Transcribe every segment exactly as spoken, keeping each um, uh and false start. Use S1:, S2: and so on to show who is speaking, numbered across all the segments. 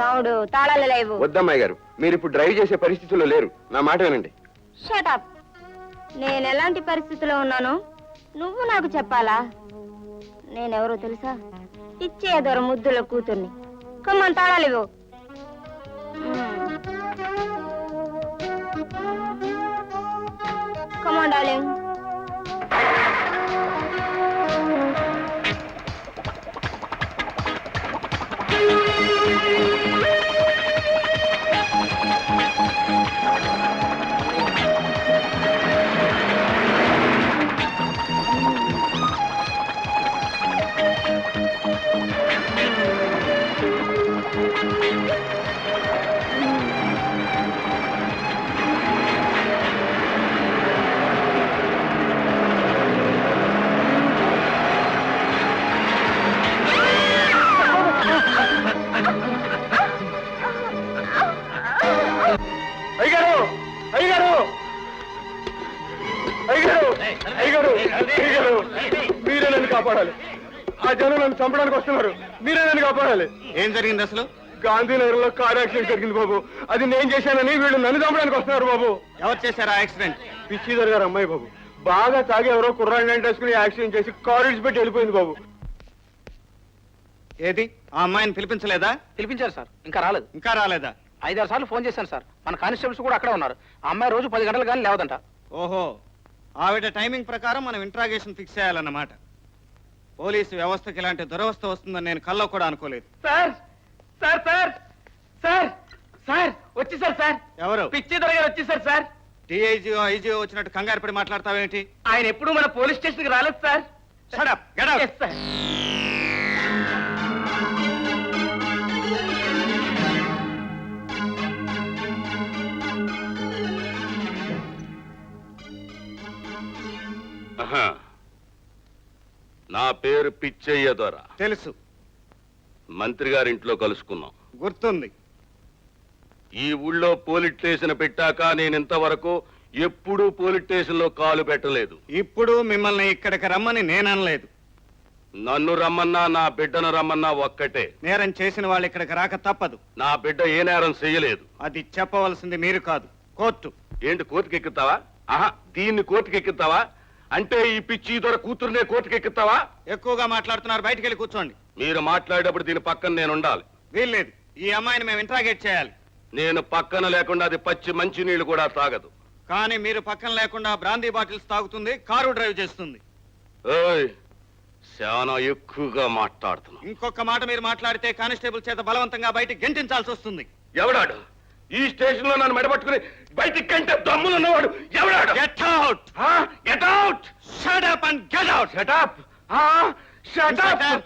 S1: రావుడు తాళాలు లేవు.
S2: వద్దమ్మాయి గారు, మీరు ఇప్పుడు డ్రైవ్ చేసే పరిస్థితుల్లో లేరు. నా మాట వినండి.
S1: షటప్. నేను ఎలాంటి పరిస్థితిలో ఉన్నానో నువ్వు నాకు చెప్పాలా? నేనెవరో తెలుసా? ఇచ్చే దొర ముద్దుల కూతుర్ని. కమ్మని తాళాలు ఇవ్వు. Come on darling.
S2: మీరే నన్ను కాపాడాలి. ఆ జనం నన్ను చంపడానికి వస్తున్నారు. మీరే నన్ను కాపాడాలి.
S3: ఏం జరిగింది అసలు?
S2: గాంధీనగర్ లో కార్ యాక్సిడెంట్ జరిగింది బాబు. అది నేను చేశానని వీళ్ళు నన్ను చంపడానికి వస్తున్నారు బాబు.
S3: ఎవరు చేశారు ఆ యాక్సిడెంట్?
S2: పిచ్చిదర్ గారు అమ్మాయి బాబు. బాగా తాగి ఎవరో కుర్రాడిని వేసుకుని యాక్సిడెంట్ చేసి కారు ఇడిచిపెట్టి వెళ్ళిపోయింది బాబు.
S3: ఏది ఆ అమ్మాయిని పిలిపించలేదా?
S4: పిలిపించారు సార్, ఇంకా రాలేదు.
S3: ఇంకా రాలేదా?
S4: ఐదారు సార్లు ఫోన్ చేశాను సార్. మన కానిస్టేబుల్స్ కూడా అక్కడే ఉన్నారు. ఆ అమ్మాయి రోజు పది గంటలు కానీ లేవదంట.
S3: ఓహో, ఆవిడ టైమింగ్ ప్రకారం మనం ఇంట్రాగేషన్ ఫిక్స్ చేయాలన్నమాట. పోలీసు వ్యవస్థకి ఇలాంటి దురవస్థ వస్తుందని నేను కల్లో కూడా అనుకోలేదు.
S4: Sir sir sir sir sir వచ్చేసారు సార్.
S3: ఎవరు?
S4: పిచ్చి దొరగారు వచ్చేసారు సార్.
S3: డిఐజీఓ ఐజీఓ వచ్చినట్టు కంగారు పడి మాట్లాడతావేంటి?
S4: ఆయన ఎప్పుడు మన పోలీస్ స్టేషన్ కి రాలేదు sir.
S3: Shut up, get out.
S4: Yes, sir.
S5: నా పేరు పిచ్చయ్య దొర.
S3: తెలుసు.
S5: మంత్రి గారింట్లో కలుసుకున్నాం.
S3: గుర్తుంది.
S5: ఈ ఊళ్ళో పోలీస్ స్టేషన్ పెట్టాక నేను ఇంతవరకు ఎప్పుడూ పోలీస్ స్టేషన్ లో కాలు పెట్టలేదు.
S3: ఇప్పుడు మిమ్మల్ని ఇక్కడికి రమ్మని నేననలేదు.
S5: నన్ను రమ్మన్నా నా బిడ్డను రమ్మన్నా ఒక్కటే.
S3: నేరం చేసిన వాళ్ళు ఇక్కడికి రాక తప్పదు.
S5: నా బిడ్డ ఏ నేరం చెయ్యలేదు.
S3: అది చెప్పవలసింది మీరు కాదు, కోర్టు.
S5: ఏంటి కోర్టుకి ఎక్కుతావా? ఆహా, దీన్ని కోర్టుకి ఎక్కుతావా? అంటే ఈ పిచ్చి దొర కూతురునే కోర్టుకి ఎక్కుతావా?
S3: ఎక్కువగా మాట్లాడుతున్నారు, బయటికి వెళ్ళి కూర్చోండి.
S5: మీరు మాట్లాడేటప్పుడు దీని పక్కన నేను ఉండాలి.
S3: వీల్లేదు. ఈ అమ్మాయిని మేము ఇంట్రాగేట్ చేయాలి.
S5: నేను పక్కన లేకుండా అది పచ్చి మంచి నీళ్లు కూడా తాగదు.
S3: కానీ మీరు పక్కన లేకుండా బ్రాందీ బాటిల్స్ తాగుతుంది, కారు డ్రైవ్ చేస్తుంది.
S5: ఓయ్, చాలా ఎక్కువగా మాట్లాడుతున్నా.
S3: ఇంకొక మాట మీరు మాట్లాడితే కానిస్టేబుల్ చేత బలవంతంగా బయటికి గెంటించాల్సి వస్తుంది.
S5: ఎవడాడు ఈ స్టేషన్ లో నన్ను మెడపట్టుకుని బయటికి కంటే దమ్ములు ఉన్నవాడు ఎవడాడు?
S3: Get out!
S5: Get out!
S3: Shut up and get out!
S5: Shut up! Shut up!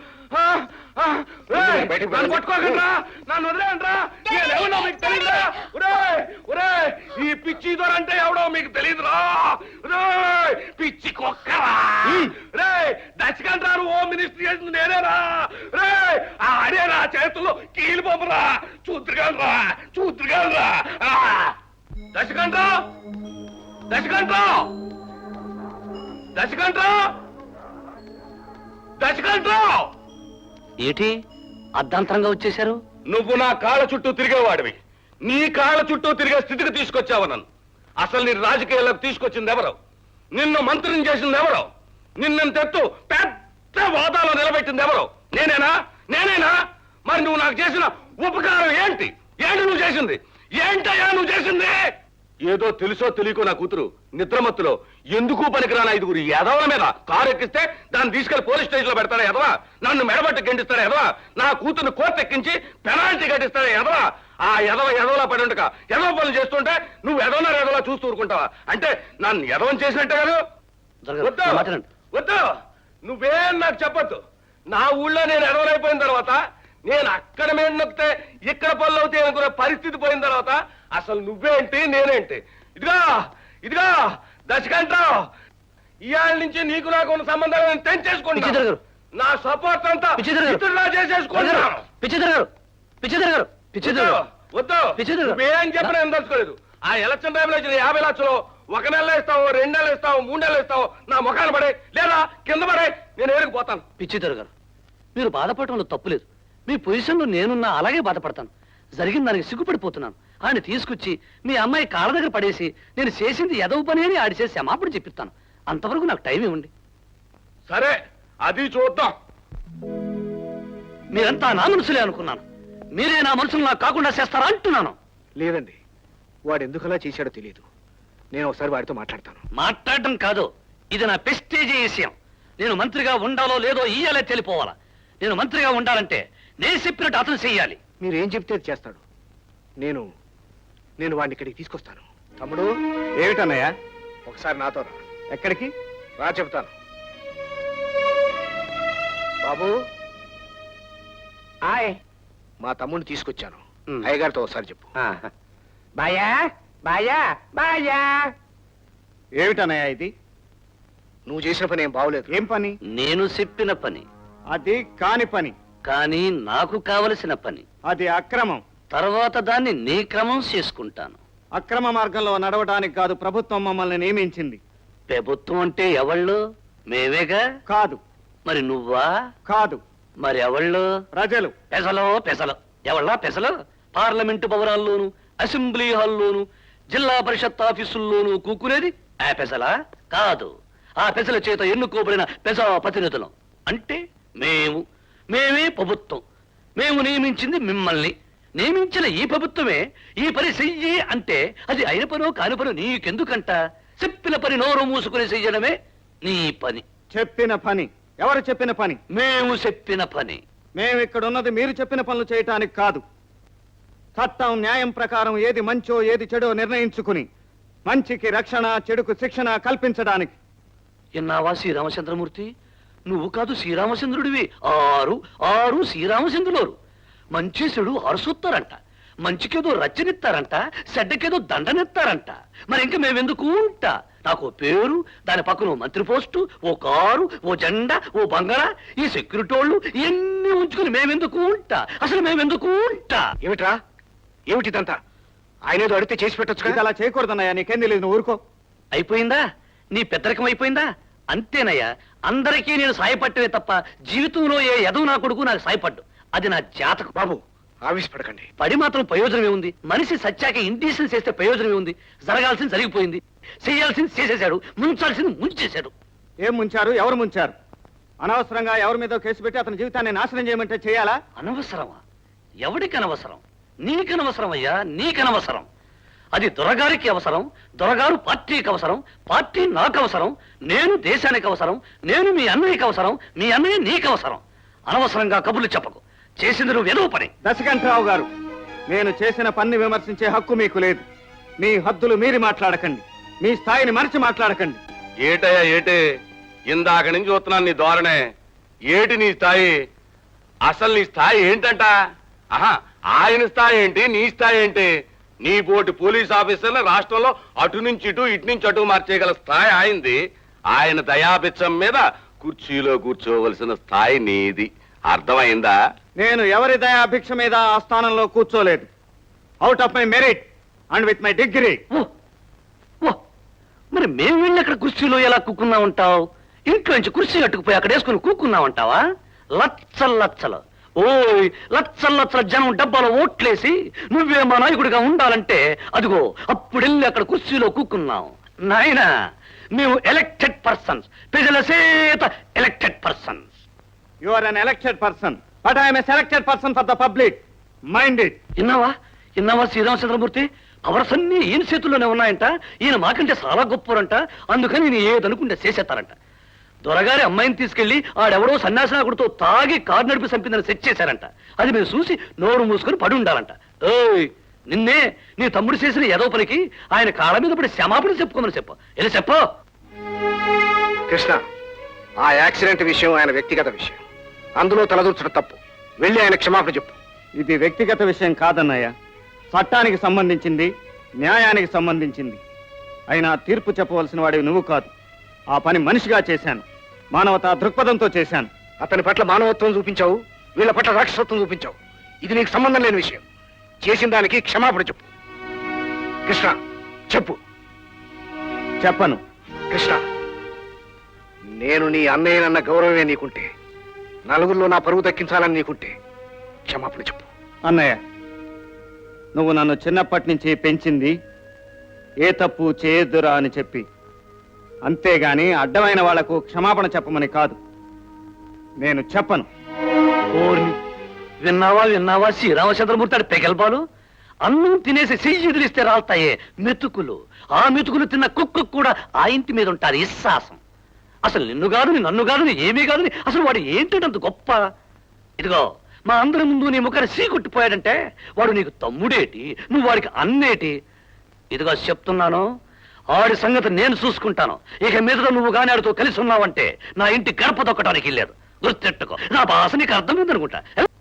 S5: నన్ను పట్టుకోకండ్రా, నన్ను వదిలేయండ్రా. నేనెవరో మీకు తెలియదురా. ఈ పిచ్చి దొర అంటే ఎవడో మీకు తెలియదురా. పిచ్చి కుక్కరా రే, దశకంటారు హోమ్ మినిస్టర్ చేసింది నేనేరా రే. అడేరా చేతుల్లో కీలు పంపరా, చూద్దురుగాలరా చూద్దురుగాలరా. దశకంట్రా దశకంట్రా దశకంట్రా దశకంట్రా
S4: ఏంటి అర్ధాంతరంగా వచ్చేశారు?
S5: నువ్వు నా కాళ్ళ చుట్టూ తిరిగేవాడివి. నీ కాళ్ళ చుట్టూ తిరిగే స్థితికి తీసుకొచ్చావు నన్ను. అసలు నీ రాజకీయాలకు తీసుకొచ్చింది ఎవరు? నిన్ను మంత్రిని చేసింది ఎవరు? నిన్నెంతెత్తు పెద్ద వాదాలో నిలబెట్టింది ఎవరు? నేనేనా? నేనేనా? మరి నువ్వు నాకు చేసిన ఉపకారం ఏంటి? ఏంటి నువ్వు చేసింది? ఏంటయ్యా నువ్వు చేసింది? ఏదో తెలుసో తెలియకో నా కూతురు నిద్రమత్తులో ఎందుకు పనికిరాని ఐదుగురు ఎదవల మీద కారు ఎక్కిస్తే దాన్ని తీసుకెళ్లి పోలీస్ స్టేషన్ లో పెడతాడా ఎదవా? నన్ను మెడబట్టి గెంటిస్తాడా ఎదవా? నా కూతుర్ని కోర్టు ఎక్కించి పెనాల్టీ కట్టిస్తాడా ఎదవా? ఆ ఎదవ ఎదవలా పడి ఉండక ఎదవ పనులు చేస్తుంటే నువ్వు ఎదవనా ఎదవలా చూస్తూ ఊరుకుంటావా? అంటే నన్ను ఎదవని చేసినట్టే కాదు. వద్దు వద్దు, నువ్వేం నాకు చెప్పొద్దు. నా ఊళ్ళో నేను ఎదవలైపోయిన తర్వాత, నేను అక్కడ మీద నొక్కితే ఇక్కడ పనులు అవుతాయి అనుకునే పరిస్థితి పోయిన తర్వాత అసలు నువ్వేంటి నేనేంటి? ఇదిగా ఇదిగా దశకంటావు. ఇవాళ నుంచి నీకు నాకు ఉన్న సంబంధాలు నేను తెంచేసుకుంటా. నా సపోర్ట్ అంతా ఇతరులా చేసేసుకుంటున్నాను. వద్దు, నువ్వేం చెప్పినా నేను తెలుసుకోలేదు. ఆ ఎలక్షన్ టైంలో ఇచ్చిన యాభై లక్షలు ఒక నెల ఇస్తావు, రెండు నెలలు ఇస్తావు, మూడు నెలలు ఇస్తావు, నా ముఖాన్ని పడే లేదా కింద పడే నేను ఏరుకుపోతాను.
S4: పిచ్చిదర్ గారు, మీరు బాధపడటంలో తప్పులేదు. మీ పొజిషన్లో నేనున్నా అలాగే బాధపడతాను.
S6: జరిగిన దానికి సిగ్గుపడిపోతున్నాను. ఆయన తీసుకొచ్చి మీ అమ్మాయి కాళ్ళ దగ్గర పడేసి నేను చేసింది ఎదవ పని అని ఆడి చేసి క్షమాపణ చెప్పిస్తాను. అంతవరకు నాకు టైం ఇవ్వండి.
S5: సరే, అది చూద్దాం.
S6: మీరంతా నా మనుషులే అనుకున్నాను. మీరే నా మనుషులు నాకు కాకుండా చేస్తారా అంటున్నాను.
S2: లేదండి, వాడు ఎందుకలా చేశాడో తెలియదు. నేను ఒకసారి వాడితో మాట్లాడతాను.
S6: మాట్లాడటం కాదు, ఇది నా ప్రెస్టేజీ విషయం. నేను మంత్రిగా ఉండాలో లేదో ఇయ్యాలే తెలిపోవాలా. నేను మంత్రిగా ఉండాలంటే నేను చెప్పినట్టు అతను చెయ్యాలి.
S2: మీరేం చెప్తే అది చేస్తాడు. నేను నేను వాడిని ఇక్కడికి తీసుకొస్తాను. తమ్ముడు,
S3: ఏమిటన్నయ్యా?
S2: ఒకసారి నాతో రా.
S3: ఎక్కడికి?
S2: రా చెప్తాను. బాబు,
S4: ఆయ్
S2: మా తమ్ముడిని తీసుకొచ్చాను.
S4: ఉమ్.
S2: అయ్యగారితో ఒకసారి చెప్పు.
S4: బాయా బాయా బాయా.
S3: ఏమిటన్నయ్యా ఇది?
S2: నువ్వు చేసిన పని ఏం బాగోలేదు.
S3: ఏం పని?
S6: నేను చెప్పిన పని,
S3: అది కాని పని.
S6: కానీ నాకు కావలసిన పని.
S3: అది అక్రమం.
S6: తర్వాత దాన్ని నీ క్రమం చేసుకుంటాను.
S3: అక్రమ మార్గంలో నడవడానికి కాదు ప్రభుత్వం మమ్మల్ని నియమించింది.
S6: ప్రభుత్వం అంటే ఎవళ్ళు? మేమేగా.
S3: కాదు.
S6: మరి నువ్వా?
S3: కాదు.
S6: మరి ఎవళ్ళు?
S3: ప్రజలు.
S6: పెసలో పెసలు. ఎవళ్ళా పెసలు? పార్లమెంటు భవనాల్లోను, అసెంబ్లీ హాల్లోను, జిల్లా పరిషత్ ఆఫీసుల్లోనూ కూకునేది ఆ పెసలా? కాదు, ఆ పెసల చేత ఎన్నుకోబడిన పెసా ప్రతినిధులం. అంటే మేము మేమే ప్రభుత్వం. మేము నియమించింది మిమ్మల్ని. నియమించిన ఈ ప్రభుత్వమే ఈ పని చెయ్యి అంటే అది అయిన పనో కాని పనో నీకెందుకంట? చెప్పిన పని నోరు మూసుకుని చెయ్యడమే నీ పని.
S3: చెప్పిన పని? ఎవరు చెప్పిన పని?
S6: మేము చెప్పిన పని.
S3: మేము ఇక్కడ ఉన్నది మీరు చెప్పిన పనులు చేయటానికి కాదు. చట్టం న్యాయం ప్రకారం ఏది మంచో ఏది చెడో నిర్ణయించుకుని మంచికి రక్షణ, చెడుకు శిక్షణ కల్పించడానికి.
S6: ఎన్నావా శ్రీరామచంద్రమూర్తి? నువ్వు కాదు శ్రీరామచంద్రుడివి. ఆరు ఆరు శ్రీరామచంద్రులోరు. మంచి చెడు అరుసొత్తారంట. మంచికేదో రచ్చనిస్తారంట, చెడ్డకేదో దండనిస్తారంట. మరి ఇంక మేమెందుకు ఉంటా? నాకు ఓ పేరు, దాని పక్కన ఓ మంత్రి పోస్టు, ఓ కారు, ఓ జెండా, ఓ బంగారా, ఈ సెక్యూరిటీ వాళ్ళు ఇవన్నీ ఉంచుకుని మేమెందుకు ఉంటా? అసలు మేమెందుకు ఉంటా?
S2: ఏమిట్రా, ఏమిటిదంతా? ఆయన ఏదో అడిగితే చేసి పెట్టొచ్చు
S3: ఇది
S2: కదా.
S3: అలా చేయకూడదన్నయ్యా. నీకేం తెలియదు, నువ్వు ఊరుకో.
S6: అయిపోయిందా? నీ పెద్దరికం అయిపోయిందా? అంతేనయ్యా. అందరికీ నేను సాయపట్టవే తప్ప జీవితంలో ఏ ఎదవు నా కొడుకు నాకు సాయపడ్డు. అది నా జాతకం.
S2: బాబు, ఆవేశపడకండి.
S6: పడి మాత్రం ప్రయోజనమే ఉంది. మనిషి సత్యాక ఇండిషన్ చేస్తే ప్రయోజనమే ఉంది. జరగాల్సింది జరిగిపోయింది, చేయాల్సింది చేసేశాడు, ముంచాల్సింది ముంచేశాడు.
S3: ఏం ముంచారు? ఎవరు ముంచారు? అనవసరంగా ఎవరి మీద కేసు పెట్టి అతని జీవితాన్ని నాశనం చేయమంటే చేయాలా?
S6: అనవసరమా? ఎవడికి అనవసరం? నీకనవసరం అయ్యా, నీకనవసరం. అది దొరగారికి అవసరం, దొరగారు పార్టీకి అవసరం, పార్టీ నాకు అవసరం, నేను దేశానికి అవసరం, నేను మీ అన్నయ్యకి అవసరం, మీ అన్నయ్య నీకు అవసరం. అనవసరంగా కబుర్లు చెప్పకు. చేసింది నువ్వు ఏదో పని.
S3: దశకంఠరావు గారు, నేను చేసిన పని విమర్శించే హక్కు మీకు లేదు. మీ హద్దులు మీరి మాట్లాడకండి. మీ స్థాయిని మరిచి మాట్లాడకండి.
S5: ఏటయ్యా ఏటే? ఇందాక నుంచి చూస్తున్నాను నీ ధోరణే. ఏటి నీ స్థాయి? అసలు నీ స్థాయి ఏంటంట? ఆహా, ఆయన స్థాయి ఏంటి, నీ స్థాయి ఏంటి? నీ పోటీ పోలీస్ ఆఫీసర్లు రాష్ట్రంలో అటు నుంచి ఇటు ఇటు నుంచి అటు మార్చేయగల స్థాయి ఆయనది. ఆయన దయాపిచ్చం మీద కుర్చీలో కూర్చోవలసిన స్థాయి నీది. అర్థమైందా?
S3: నేను ఎవరి దయాభిక్ష మీద ఆ స్థానంలో కూర్చోలేదు. Out of my merit and with my degree.
S6: Oh oh మరి మేము వెళ్ళి అక్కడ కుర్చీలో ఎలా కూకున్నా ఉంటావు? ఇంట్లో నుంచి కుర్చీ కట్టుకుపోయి అక్కడ వేసుకుని కూకున్నా ఉంటావా? లచ్చల లచ్చలు ఓయ్ లచ్చల లచ్చల జనం డబ్బాలో ఓట్లేసి నువ్వే మా నాయకుడిగా ఉండాలంటే అదిగో అప్పుడెళ్ళి అక్కడ కుర్చీలో కూకున్నాం. నాయనా, మేము ఎలక్టెడ్ పర్సన్స్, ప్రజల చేత elected persons.
S3: You are an elected person, but I'm a selected person for the public. Mind it.
S6: విన్నావా విన్నావా శ్రీరామచంద్రమూర్తి? పవర్స్ అన్ని ఈయన చేతుల్లోనే ఉన్నాయంట. ఈయన మాకంటే చాలా గొప్పవారంట. అందుకని ఈయన ఏదనుకుంటే చేసేస్తారంట. దొరగారి అమ్మాయిని తీసుకెళ్లి ఆడెవడో సన్యాసనాకుడితో తాగి కారు నడిపి చంపిందని సెట్ చేశారంట. అది మేము చూసి నోరు మూసుకొని పడి ఉండాలంట. ఓయ్, నిన్నే నీ తమ్ముడు చేసిన ఏదో పనికి ఆయన కాళ్ళ మీద పడి క్షమాపణ చెప్పుకోమని చెప్పు. ఎలా చెప్పు?
S2: కృష్ణ, ఆ యాక్సిడెంట్ విషయం ఆయన వ్యక్తిగత విషయం. అందులో తలదూర్చడం తప్పు. వెళ్ళి ఆయన క్షమాపణ చెప్పు.
S3: ఇది వ్యక్తిగత విషయం కాదన్నయ్య. చట్టానికి సంబంధించింది, న్యాయానికి సంబంధించింది. అయినా తీర్పు చెప్పవలసిన వాడివి నువ్వు కాదు. ఆ పని మనిషిగా చేశాను, మానవతా దృక్పథంతో చేశాను.
S2: అతని పట్ల మానవత్వం చూపించావు, వీళ్ళ పట్ల రాక్షసత్వం చూపించావు. ఇది నీకు సంబంధం లేని విషయం. చేసిన దానికి క్షమాపణ చెప్పు. కృష్ణ, చెప్పు.
S3: చెప్పను.
S2: కృష్ణ, నేను నీ అన్నయ్యనన్న గౌరవమే నీకుంటే, నలుగురిలో నా పరువు దక్కించాలని నీకుంటే క్షమాపణ చెప్పు.
S3: అన్నయ్య, నువ్వు నన్ను చిన్నప్పటి నుంచి పెంచింది ఏ తప్పు చేయొద్దురా అని చెప్పి, అంతేగాని అడ్డమైన వాళ్లకు క్షమాపణ చెప్పమని కాదు. నేను చెప్పను.
S6: ఓర్ని విన్నావా విన్నావా శ్రీరామచంద్రమూర్తి పెగల్బాలు అన్నం తినేసి చెయ్యి వదిలిస్తే రాల్తాయే మెతుకులు. ఆ మెతుకులు తిన్న కుక్కు కూడా ఆ ఇంటి మీద ఉంటారు ఇస్సాసం. అసలు నిన్ను కాదు నన్ను కాదు ఏమీ కాదు అసలు వాడు ఏంటంత గొప్ప. ఇదిగో మా అందరి ముందు నీ ముఖాన్ని సీ కొట్టిపోయాడంటే వాడు నీకు తమ్ముడేటి, నువ్వు వాడికి అన్నేటి. ఇదిగో చెప్తున్నాను, ఆడి సంగతి నేను చూసుకుంటాను. ఇక మీద నువ్వు గాని ఆడితో కలిసి ఉన్నావంటే నా ఇంటి గడప దొక్కడానికి లేదు. గుర్తెట్టుకో. నా భాష నీకు అర్థమైందనుకుంటా.